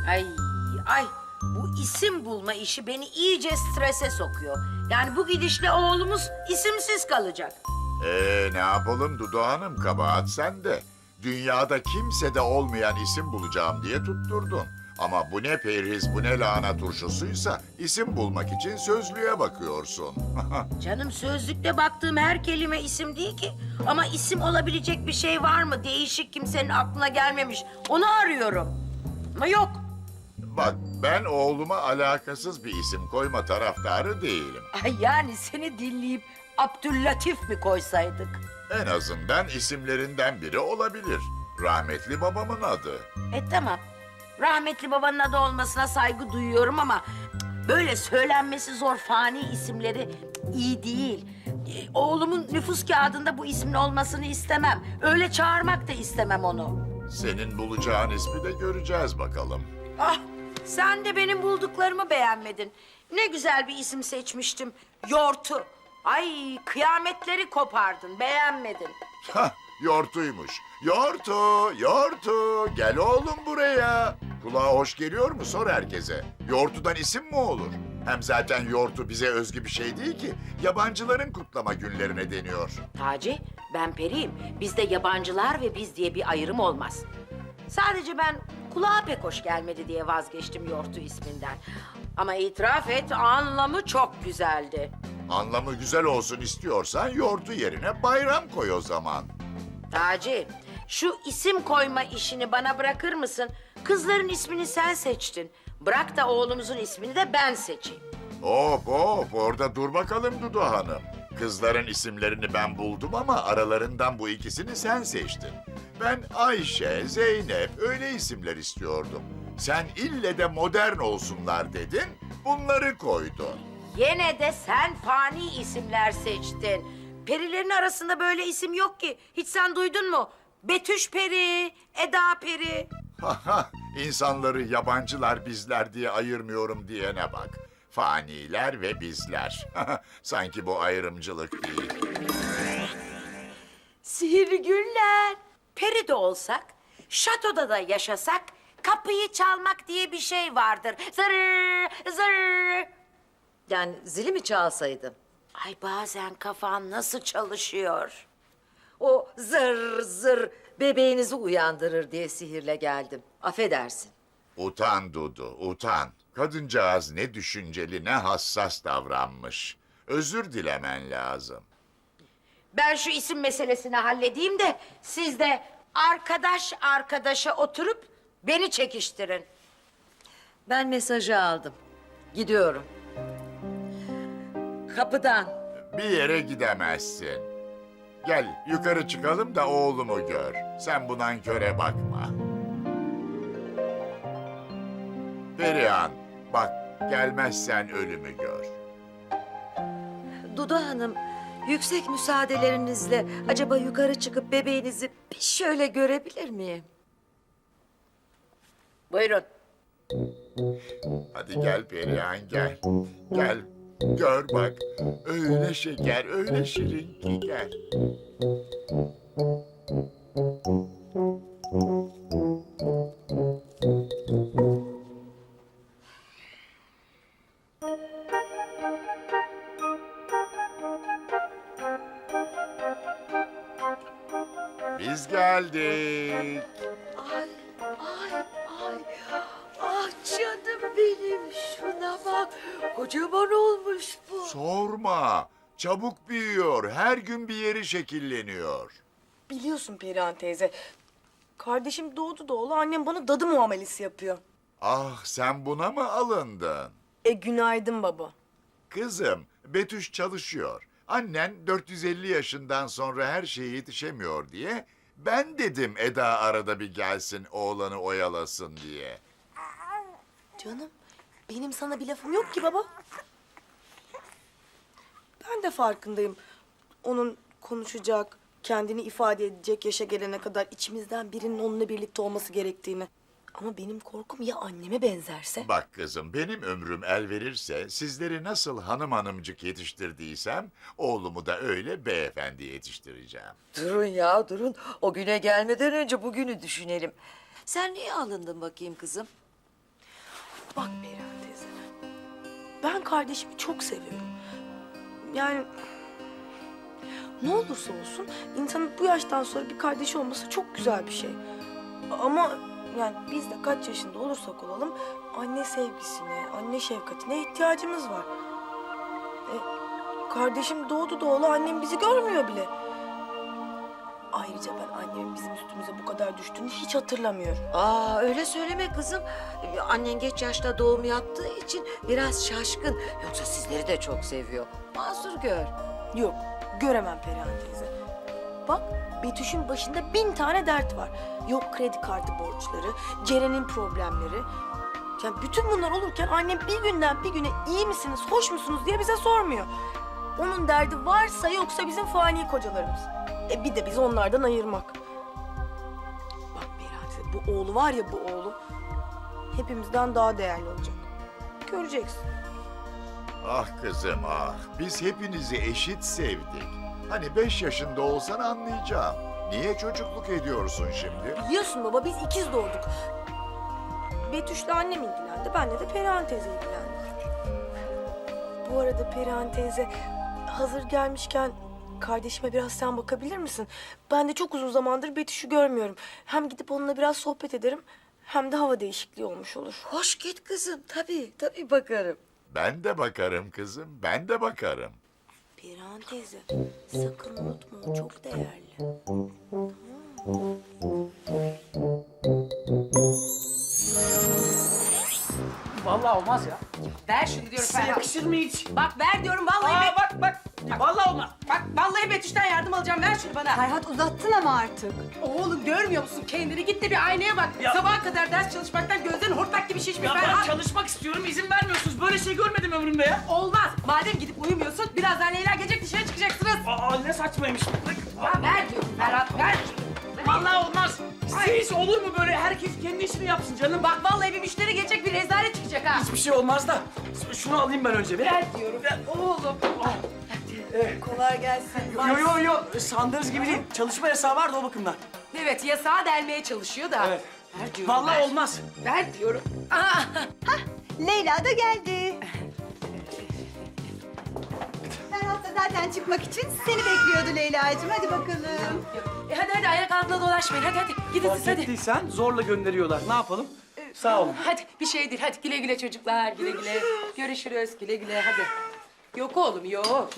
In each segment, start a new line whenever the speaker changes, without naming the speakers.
Ay, ay. Bu isim bulma işi beni iyice strese sokuyor. Yani bu gidişle oğlumuz isimsiz kalacak.
Ne yapalım Dudu Hanım, kabahat sende. Dünyada kimsede olmayan isim bulacağım diye tutturdun. Ama bu ne perhiz, bu ne lahana turşusuysa isim bulmak için sözlüğe bakıyorsun.
Canım, sözlükte baktığım her kelime isim değil ki. Ama isim olabilecek bir şey var mı? Değişik, kimsenin aklına gelmemiş. Onu arıyorum. Ama yok.
Bak, ben oğluma alakasız bir isim koyma taraftarı değilim.
Ay, yani seni dinleyip Abdüllatif mi koysaydık?
En azından isimlerinden biri olabilir. Rahmetli babamın adı.
Tamam. Rahmetli babanın adı olmasına saygı duyuyorum ama böyle söylenmesi zor fani isimleri iyi değil. Oğlumun nüfus kağıdında bu ismin olmasını istemem. Öyle çağırmak da istemem onu.
Senin bulacağın ismi de göreceğiz bakalım.
Ah, sen de benim bulduklarımı beğenmedin. Ne güzel bir isim seçmiştim. Yortu. Ay, kıyametleri kopardın, beğenmedin.
Hah, Yortu'ymuş. Yortu, Yortu, gel oğlum buraya. Kulağa hoş geliyor mu? Sor herkese. Yortu'dan isim mi olur? Hem zaten Yortu bize özgü bir şey değil ki. Yabancıların kutlama günlerine deniyor.
Taci, ben periyim. Bizde yabancılar ve biz diye bir ayrım olmaz. Sadece ben kulağa pek hoş gelmedi diye vazgeçtim Yortu isminden. Ama itiraf et, anlamı çok güzeldi.
Anlamı güzel olsun istiyorsan Yortu yerine bayram koy o zaman.
Taci, şu isim koyma işini bana bırakır mısın? Kızların ismini sen seçtin. Bırak da oğlumuzun ismini de ben seçeyim.
Hop hop, orada dur bakalım Dudu Hanım. Kızların isimlerini ben buldum ama aralarından bu ikisini sen seçtin. Ben Ayşe, Zeynep öyle isimler istiyordum. Sen ille de modern olsunlar dedin, bunları koydun.
Yine de sen fani isimler seçtin. Perilerin arasında böyle isim yok ki. Hiç sen duydun mu? Betüş Peri, Eda Peri.
Haha, insanları yabancılar bizler diye ayırmıyorum diyene bak. Faniler ve bizler. Sanki bu ayrımcılık değil.
Sihirli günler. Peri de olsak, şatoda da yaşasak, kapıyı çalmak diye bir şey vardır. Zırr, zırr.
Yani zili mi çalsaydım?
Ay, bazen kafan nasıl çalışıyor?
O zır zır bebeğinizi uyandırır diye sihirle geldim. Affedersin.
Utan Dudu, utan. Kadıncağız ne düşünceli, ne hassas davranmış. Özür dilemen lazım.
Ben şu isim meselesini halledeyim de siz de arkadaş arkadaşa oturup beni çekiştirin.
Ben mesajı aldım. Gidiyorum. Kapıdan.
Bir yere gidemezsin. Gel yukarı çıkalım da oğlumu gör. Sen bu nanköre bakma. Perihan, bak gelmezsen ölümü gör.
Dudu Hanım, yüksek müsaadelerinizle acaba yukarı çıkıp bebeğinizi bir şöyle görebilir miyim?
Buyurun.
Hadi gel Perihan gel. Gel gör bak. Öyle şeker, öyle şirin ki gel. Biz geldik.
Ay, ay, ay. Ah canım benim, şuna bak. Kocaman olmuş bu.
Sorma. Çabuk büyüyor. Her gün bir yeri şekilleniyor.
Biliyorsun Perihan teyze. Kardeşim doğdu doğulu annem bana dadı muamelesi yapıyor.
Ah, sen buna mı alındın?
Günaydın baba.
Kızım, Betüş çalışıyor. Annen 450 yaşından sonra her şeye yetişemiyor diye ben dedim Eda arada bir gelsin oğlanı oyalasın diye.
Canım benim sana bir lafım yok ki baba. Ben de farkındayım. Onun konuşacak, kendini ifade edecek yaşa gelene kadar içimizden birinin onunla birlikte olması gerektiğini. Ama benim korkum ya anneme benzerse?
Bak kızım, benim ömrüm el verirse sizleri nasıl hanım hanımcık yetiştirdiysem oğlumu da öyle beyefendi yetiştireceğim.
Durun ya, durun. O güne gelmeden önce bugünü düşünelim. Sen niye alındın bakayım kızım?
Bak Perihan teyze, ben kardeşimi çok seviyorum. Yani ne olursa olsun insanın bu yaştan sonra bir kardeşi olması çok güzel bir şey. Ama yani biz de kaç yaşında olursak olalım anne sevgisine, anne şefkatine ihtiyacımız var. Kardeşim doğdu doğalı annem bizi görmüyor bile. Ayrıca ben annemin bizim üstümüze bu kadar düştüğünü hiç hatırlamıyorum.
Aa öyle söyleme kızım. Annen geç yaşta doğum yaptığı için biraz şaşkın. Yoksa sizleri de çok seviyor. Mazur gör.
Yok, göremem Perihan teyze. Bak, Betüş'ün başında 1000 tane dert var. Yok kredi kartı borçları, Ceren'in problemleri. Yani bütün bunlar olurken annem bir günden bir güne iyi misiniz, hoş musunuz diye bize sormuyor. Onun derdi varsa yoksa bizim fani kocalarımız. Bir de bizi onlardan ayırmak. Bak Perihan teyze, bu oğlu var ya bu oğlu hepimizden daha değerli olacak. Göreceksin.
Ah kızım ah, biz hepinizi eşit sevdik. Hani 5 yaşında olsan anlayacağım. Niye çocukluk ediyorsun şimdi?
Biliyorsun baba biz ikiz doğduk. Betüş'le annem ilgilendi. Benle de Perihan teyze ilgilendi. Bu arada Perihan teyze hazır gelmişken kardeşime biraz sen bakabilir misin? Ben de çok uzun zamandır Betüş'ü görmüyorum. Hem gidip onunla biraz sohbet ederim hem de hava değişikliği olmuş olur.
Hoş git kızım. Tabii bakarım.
Ben de bakarım kızım, ben de bakarım.
Perihan teyze sakın unutma o çok değerli.
Vallahi olmaz ya.
Ver şunu diyorum
Size
Ferhat.
yakışır mı hiç?
Bak ver diyorum vallahi.
Bak. Vallahi olmaz.
Bak vallahi Betüş'ten yardım alacağım. Ver şunu bana.
Ferhat uzattın ama artık.
Oğlum görmüyor musun kendini? Git de bir aynaya bak.
Ya-
Sabaha kadar ders çalışmaktan gözlerin hortlak gibi şişmiş
Ya ben
Ferhat.
çalışmak istiyorum, izin vermiyorsunuz. Böyle şey görmedim ömrümde ya.
Olmaz. Madem gidip uyumuyorsun birazdan Leyla gelecek dışarı çıkacaksınız.
Aa ne saçmaymış.
Ya ver diyorum Ferhat ver.
Vallahi olmaz. Siz olur mu böyle? Herkes kendi işini yapsın canım.
Bak vallahi bir müşteri gelecek bir rezalet çıkacak ha.
Hiçbir şey olmaz da. Şunu alayım ben önce.
Ver diyorum. Oğlum.
Kolay gelsin.
Yo. Sandığınız gibi değil. Çalışma yasağı var da o bakımdan.
Evet yasağı delmeye çalışıyor da.
Evet.
Ver diyorum.
Vallahi
ver.
olmaz.
Ver diyorum.
Leyla da geldi. Ferhat da zaten çıkmak için seni bekliyordu Leyla'cığım. Hadi bakalım.
Hadi ayak altına dolaşmayın. Hadi gidin siz
Fark
hadi.
ettiysen zorla gönderiyorlar. Ne yapalım? Sağ olun.
Hadi bir şey değil. Hadi güle güle çocuklar. Güle güle. Görüşürüz. Güle güle hadi. Yok oğlum yok.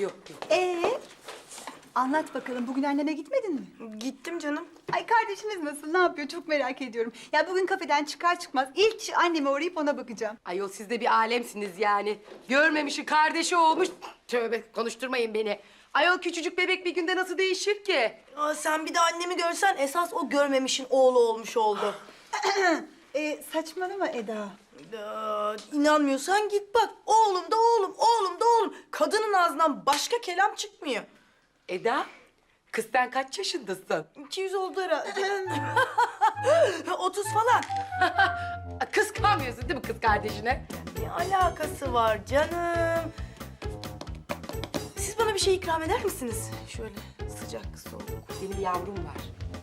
Anlat bakalım bugün annene gitmedin mi?
Gittim canım.
Ay kardeşiniz nasıl? Ne yapıyor? Çok merak ediyorum. Ya bugün kafeden çıkar çıkmaz ilk iş anneme uğrayıp ona bakacağım.
Ayol siz de bir alemsiniz yani. Görmemişi kardeşi olmuş. Tövbe konuşturmayın beni. Ayol küçücük bebek bir günde nasıl değişir ki?
Sen bir de annemi görsen esas o görmemişin oğlu olmuş oldu.
Saçmalama Eda.
İnanmıyorsan git bak. Oğlum da oğlum, oğlum da oğlum. Kadının ağzından başka kelam çıkmıyor.
Eda, kız sen kaç yaşındasın?
200 oldu herhalde. 30 falan.
Kıskanmıyorsun değil mi kız kardeşine?
Ne alakası var canım? Siz bana bir şey ikram eder misiniz? Şöyle sıcak soğuk.
Benim yavrum var.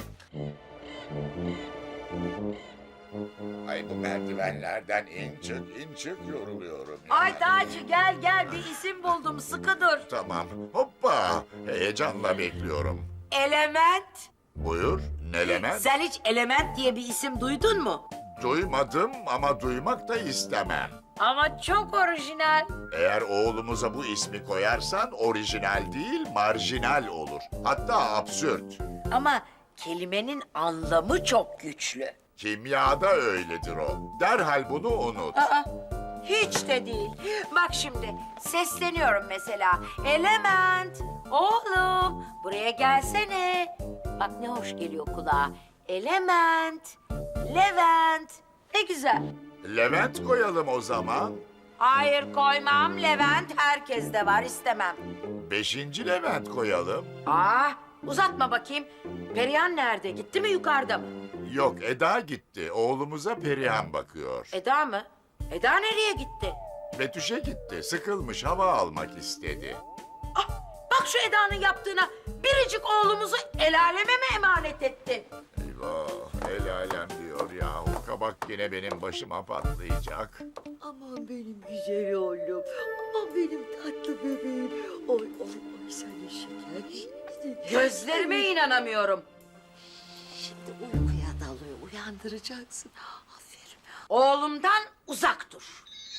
Ay bu merdivenlerden in çık yoruluyorum. ya.
Ay Taci gel bir isim buldum sıkı dur.
Tamam, hoppa. Heyecanla bekliyorum.
Element.
Buyur, Nelemen?
Sen hiç Element diye bir isim duydun mu?
Duymadım ama duymak da istemem.
Ama çok orijinal.
Eğer oğlumuza bu ismi koyarsan orijinal değil, marjinal olur. Hatta absürt.
Ama kelimenin anlamı çok güçlü.
Kimyada öyledir o. Derhal bunu unut.
Hiç de değil. Bak şimdi sesleniyorum mesela. Element, oğlum buraya gelsene. Bak ne hoş geliyor kulağa. Element, Levent. Ne güzel.
Levent koyalım o zaman.
Hayır koymam. Levent herkeste var istemem.
5. Levent koyalım.
Uzatma bakayım. Perihan nerede? Gitti mi yukarıda mı?
Yok, Eda gitti. Oğlumuza Perihan bakıyor.
Eda mı? Eda nereye gitti?
Betüş'e gitti. Sıkılmış, hava almak istedi.
Bak şu Eda'nın yaptığına. Biricik oğlumuzu el aleme mi emanet ettin?
Eyvah, el alem diyor ya. O bak yine benim başıma patlayacak.
Aman benim güzel oğlum. Aman benim tatlı bebeğim. Oy oy oy sen de şeker.
Gözlerime inanamıyorum.
Şimdi uykuya dalıyor. Uyandıracaksın. Aferin.
Oğlumdan uzak dur.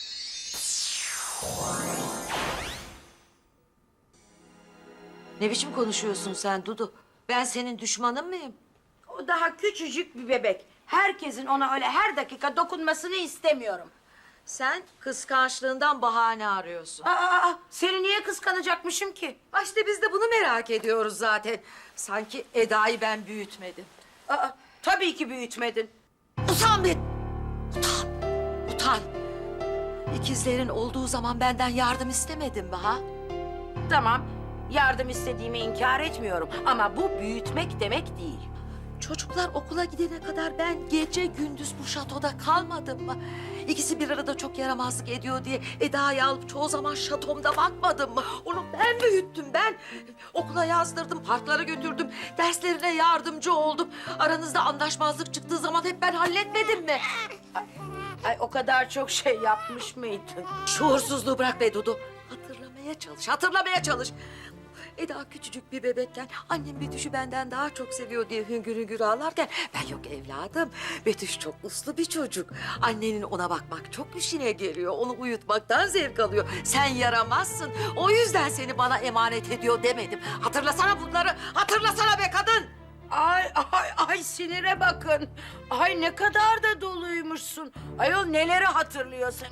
Ne biçim konuşuyorsun sen Dudu? Ben senin düşmanın mıyım?
O daha küçücük bir bebek. Herkesin ona öyle her dakika dokunmasını istemiyorum.
Sen kıskançlığından bahane arıyorsun.
Seni niye kıskanacakmışım ki?
İşte biz de bunu merak ediyoruz zaten. Sanki Eda'yı ben büyütmedim.
Tabii ki büyütmedin.
Utan be! Utan! Utan! İkizlerin olduğu zaman benden yardım istemedin mi ha?
Tamam, yardım istediğimi inkar etmiyorum. Ama bu büyütmek demek değil.
Çocuklar okula gidene kadar ben gece gündüz bu şatoda kalmadım mı? İkisi bir arada çok yaramazlık ediyor diye Eda'yı alıp çoğu zaman şatomda bakmadım mı? Onu ben büyüttüm ben. Okula yazdırdım, parklara götürdüm, derslerine yardımcı oldum. Aranızda anlaşmazlık çıktığı zaman hep ben halletmedim mi?
Ay o kadar çok şey yapmış mıydın?
Şuursuzluğu bırak be Dudu. Hatırlamaya çalış. Eda küçücük bir bebekken annem Betüş'ü benden daha çok seviyor diye hüngür hüngür ağlarken ben yok evladım. Betüş çok uslu bir çocuk. Annenin ona bakmak çok işine geliyor. Onu uyutmaktan zevk alıyor. Sen yaramazsın. O yüzden seni bana emanet ediyor demedim. Hatırlasana bunları. Hatırlasana be kadın.
Ay sinire bakın. Ay ne kadar da doluymuşsun. Ayol neleri hatırlıyorsun?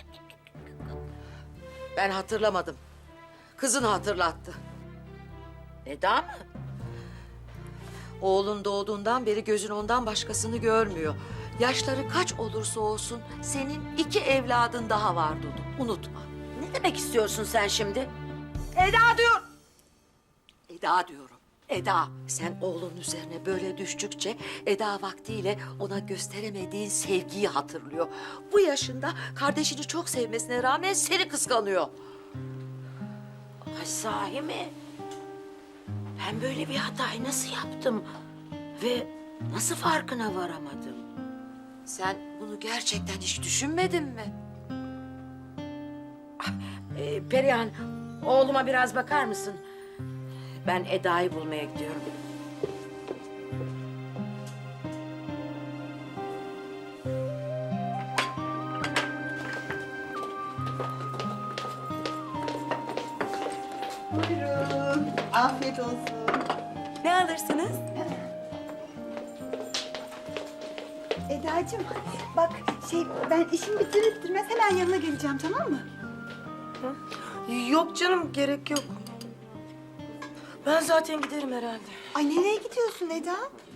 Ben hatırlamadım. Kızın hatırlattı.
Eda mı?
Oğlun doğduğundan beri gözün ondan başkasını görmüyor. Yaşları kaç olursa olsun senin 2 evladın daha var Dudu. Unutma.
Ne demek istiyorsun sen şimdi?
Eda diyor. Eda diyorum. Eda. Sen oğlun üzerine böyle düştükçe Eda vaktiyle ona gösteremediğin sevgiyi hatırlıyor. Bu yaşında kardeşini çok sevmesine rağmen seni kıskanıyor.
Ay sahi mi? Ben böyle bir hatayı nasıl yaptım? Ve nasıl farkına varamadım?
Sen bunu gerçekten hiç düşünmedin mi?
Perihan, oğluma biraz bakar mısın? Ben Eda'yı bulmaya gidiyorum.
Buyurun. Afiyet olsun.
Ne alırsınız?
Eda'cığım bak ben işimi bitirir bitirmez hemen yanına geleceğim tamam mı?
Yok canım, gerek yok. Ben zaten giderim herhalde.
Ay nereye gidiyorsun Eda?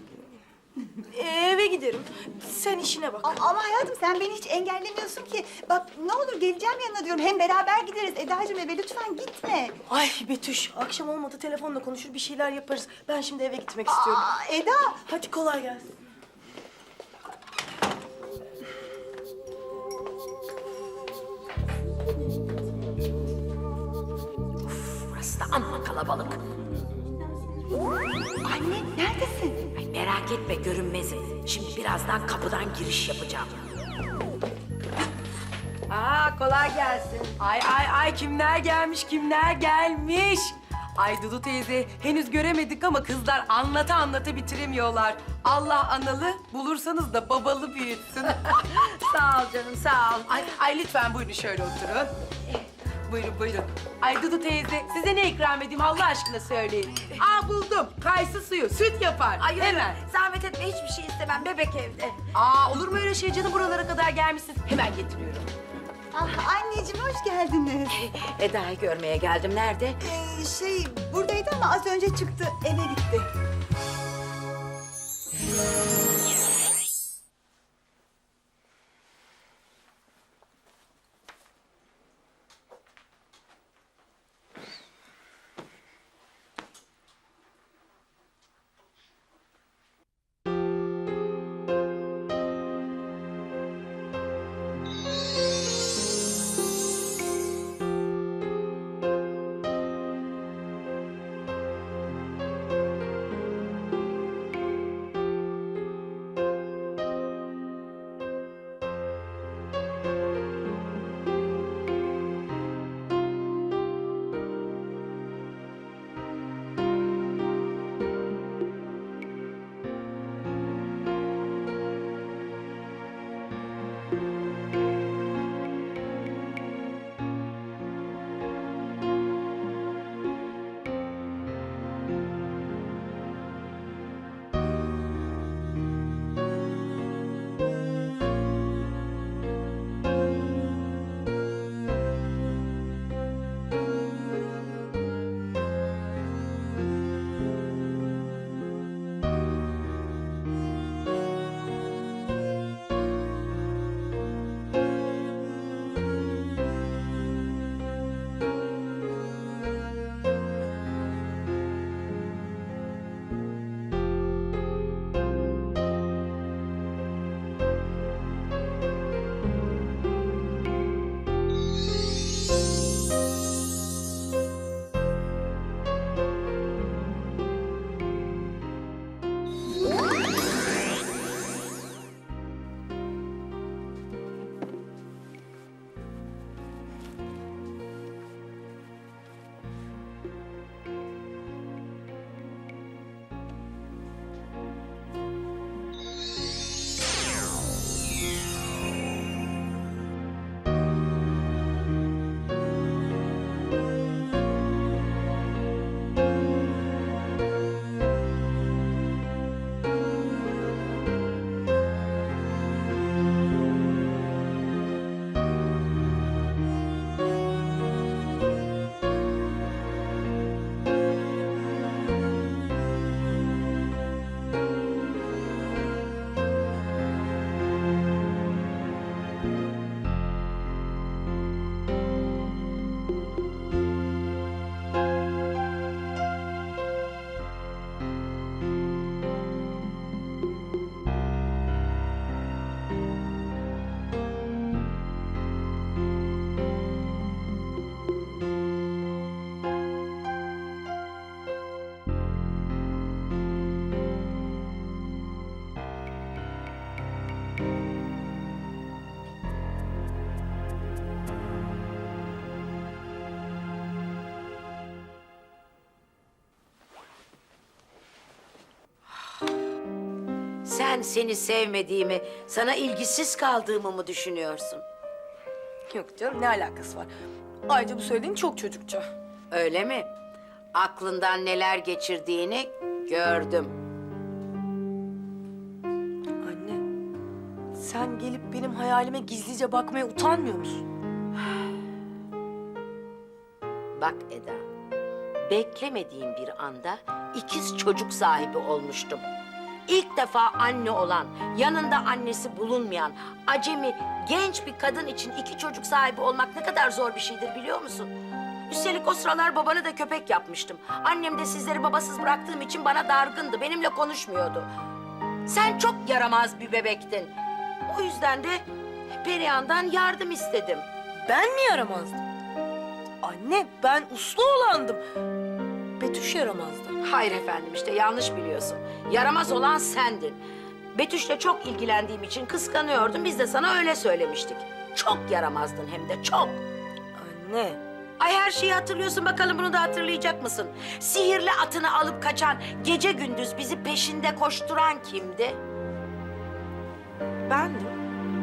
Eve giderim. Sen işine bak.
Ama hayatım sen beni hiç engellemiyorsun ki. Bak ne olur geleceğim yanına diyorum. Hem beraber gideriz. Eda'cığım eve lütfen gitme.
Ay Betüş, akşam olmadı telefonla konuşur bir şeyler yaparız. Ben şimdi eve gitmek istiyorum.
Eda.
Hadi kolay gelsin.
Burası da amma kalabalık.
Anne neredesin?
Ay merak etme görünmezim. Şimdi birazdan kapıdan giriş yapacağım. Kolay gelsin.
Ay kimler gelmiş. Ay Dudu teyze henüz göremedik ama kızlar anlata bitiremiyorlar. Allah analı bulursanız da babalı büyütsün.
Sağ ol canım sağ ol.
Ay lütfen buyurun şöyle oturun. Buyurun. Ay Dudu teyze size ne ikram edeyim Allah aşkına söyleyin. Buldum. Kayısı suyu süt yapar.
Ay
Hemen.
Zahmet etme hiçbir şey istemem bebek evde.
Olur mu öyle şey canım buralara kadar gelmişsiniz. Hemen getiriyorum.
Anneciğim hoş geldiniz.
Eda'yı görmeye geldim. Nerede?
Buradaydı ama az önce çıktı eve gitti.
Sen seni sevmediğimi, sana ilgisiz kaldığımı mı düşünüyorsun?
Yok canım, ne alakası var? Ayrıca bu söylediğin çok çocukça.
Öyle mi? Aklından neler geçirdiğini gördüm.
Anne, sen gelip benim hayalime gizlice bakmaya utanmıyor musun?
Bak Eda, beklemediğim bir anda ikiz çocuk sahibi olmuştum. İlk defa anne olan, yanında annesi bulunmayan, acemi, genç bir kadın için 2 çocuk sahibi olmak ne kadar zor bir şeydir biliyor musun? Üstelik o sıralar babanı da köpek yapmıştım. Annem de sizleri babasız bıraktığım için bana dargındı, benimle konuşmuyordu. Sen çok yaramaz bir bebektin. O yüzden de Perihan'dan yardım istedim.
Ben mi yaramazdım? Anne, ben uslu olandım. Betüş yaramazdı.
Hayır efendim, işte yanlış biliyorsun. Yaramaz olan sendin. Betüş'le çok ilgilendiğim için kıskanıyordum. Biz de sana öyle söylemiştik. Çok yaramazdın hem de çok.
Anne,
Ay her şeyi hatırlıyorsun, bakalım bunu da hatırlayacak mısın? Sihirli atını alıp kaçan, gece gündüz bizi peşinde koşturan kimdi?
bendim.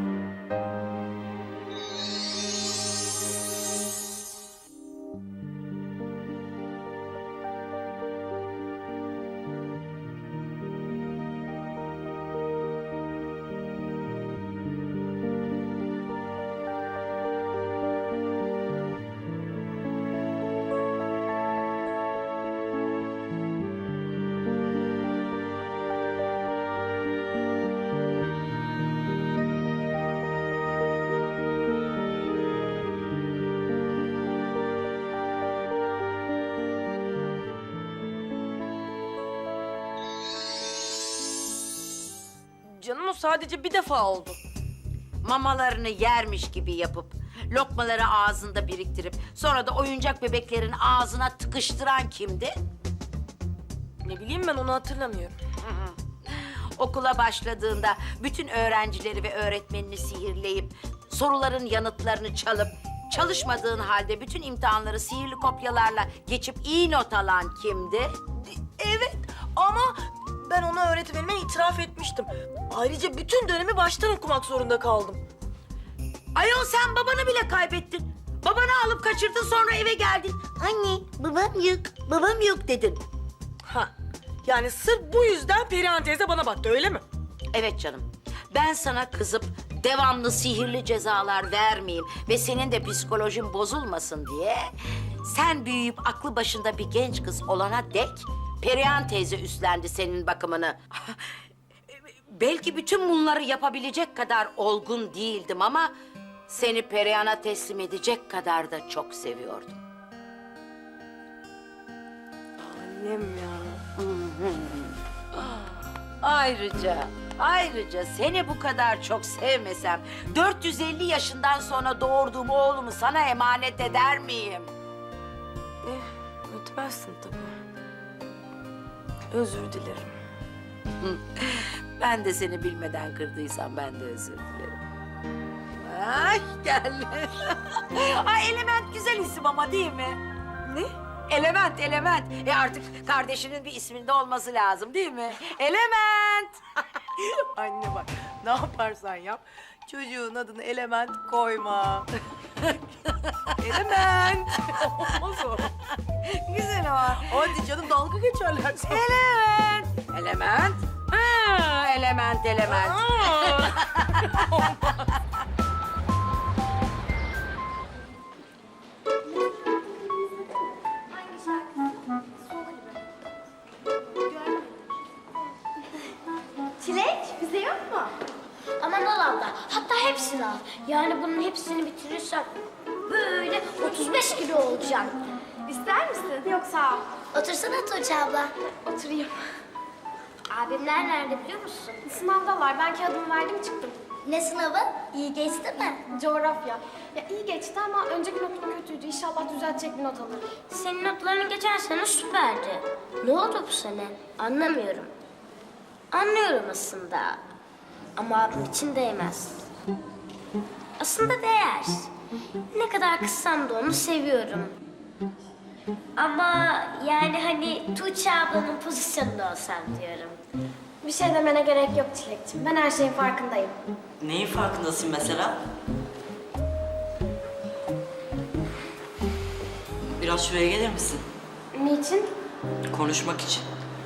Canım, o sadece bir defa oldu.
Mamalarını yermiş gibi yapıp, lokmaları ağzında biriktirip, sonra da oyuncak bebeklerin ağzına tıkıştıran kimdi?
Ne bileyim, ben onu hatırlamıyorum.
Okula başladığında bütün öğrencileri ve öğretmenini sihirleyip, soruların yanıtlarını çalıp, çalışmadığın halde bütün imtihanları sihirli kopyalarla geçip iyi not alan kimdi?
Evet, ama ben onu öğretmenime itiraf etmiştim. Ayrıca bütün dönemi baştan okumak zorunda kaldım.
Ayol, sen babanı bile kaybettin. Babanı alıp kaçırdın, sonra eve geldin. Anne, babam yok dedin.
Ha, yani sırf bu yüzden Perihan teyze bana baktı, öyle mi?
Evet canım. Ben sana kızıp devamlı sihirli cezalar vermeyeyim ve senin de psikolojin bozulmasın diye, sen büyüyüp aklı başında bir genç kız olana dek Perihan teyze üstlendi senin bakımını. Belki bütün bunları yapabilecek kadar olgun değildim ama seni Perihan'a teslim edecek kadar da çok seviyordum.
Annem ya.
Ayrıca seni bu kadar çok sevmesem 450 yaşından sonra doğurduğum oğlumu sana emanet eder miyim?
Ötmezsin tabii. Özür dilerim.
Ben de seni bilmeden kırdıysam ben de özür dilerim. Ay gel. Ay Element güzel isim ama değil mi?
Ne?
Element. Artık kardeşinin bir isminde olması lazım değil mi? Element.
Anne bak, ne yaparsan yap, çocuğun adını Element koyma. Element. Olmaz o.
Güzel ama.
Hadi canım, dalga geçerler sana.
Element. Ha, element.
Çilek, bize yok mu? Aman al abla, hatta hepsini al. Yani bunun hepsini bitirirsem böyle 35 kilo olacağım. İster misin? Yok sağ ol. Otursana Tuğçe abla. Oturayım. Abimler nerede biliyor musun? Sınavdalar. Ben kağıdımı verdim çıktım. Ne sınavı? İyi geçti mi? Coğrafya. Ya iyi geçti ama önceki notum kötüydü. İnşallah düzeltecek bir not alırım. Senin notların geçen sene süperdi. Ne oldu bu sene? Anlamıyorum. Anlıyorum aslında. Ama abim için değmez. Aslında değer. Ne kadar kızsam da onu seviyorum. Ama yani hani Tuğçe ablanın pozisyonunda olsam diyorum. Bir şey demene gerek yok Çilekciğim. Ben her şeyin farkındayım.
Neyin farkındasın mesela? Biraz şuraya gelir misin?
Niçin?
Konuşmak için.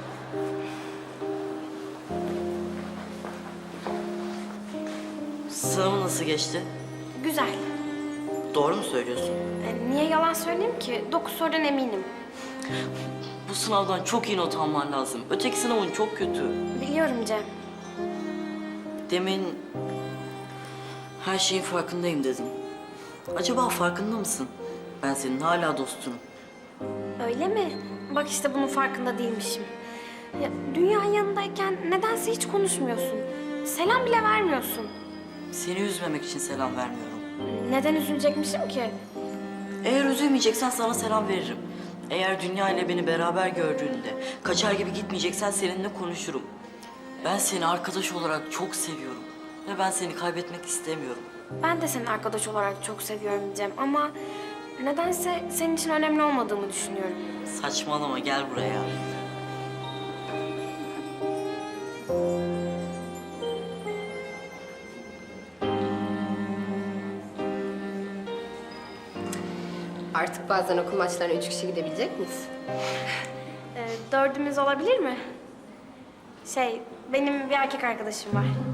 Sınavın nasıl geçti?
Güzel.
Doğru mu söylüyorsun?
Niye yalan söyleyeyim ki? 9 sorudan eminim.
Bu sınavdan çok iyi not alman lazım. Öteki sınavın çok kötü.
Biliyorum Cem.
Demin her şeyin farkındayım dedim. Acaba farkında mısın? Ben senin hala dostunum.
Öyle mi? Bak işte bunun farkında değilmişim. Ya, dünya yanındayken nedense hiç konuşmuyorsun. Selam bile vermiyorsun.
Seni üzmemek için selam vermiyorum.
Neden üzülecekmişim ki?
Eğer üzülmeyeceksen sana selam veririm. Eğer dünya ile beni beraber gördüğünde kaçar gibi gitmeyeceksen seninle konuşurum. Ben seni arkadaş olarak çok seviyorum. Ve ben seni kaybetmek istemiyorum.
Ben de seni arkadaş olarak çok seviyorum Cem ama nedense senin için önemli olmadığımı düşünüyorum.
Saçmalama, gel buraya.
Artık bazen okul maçlarına 3 kişi gidebilecek miyiz?
Dördümüz olabilir mi? Benim bir erkek arkadaşım var.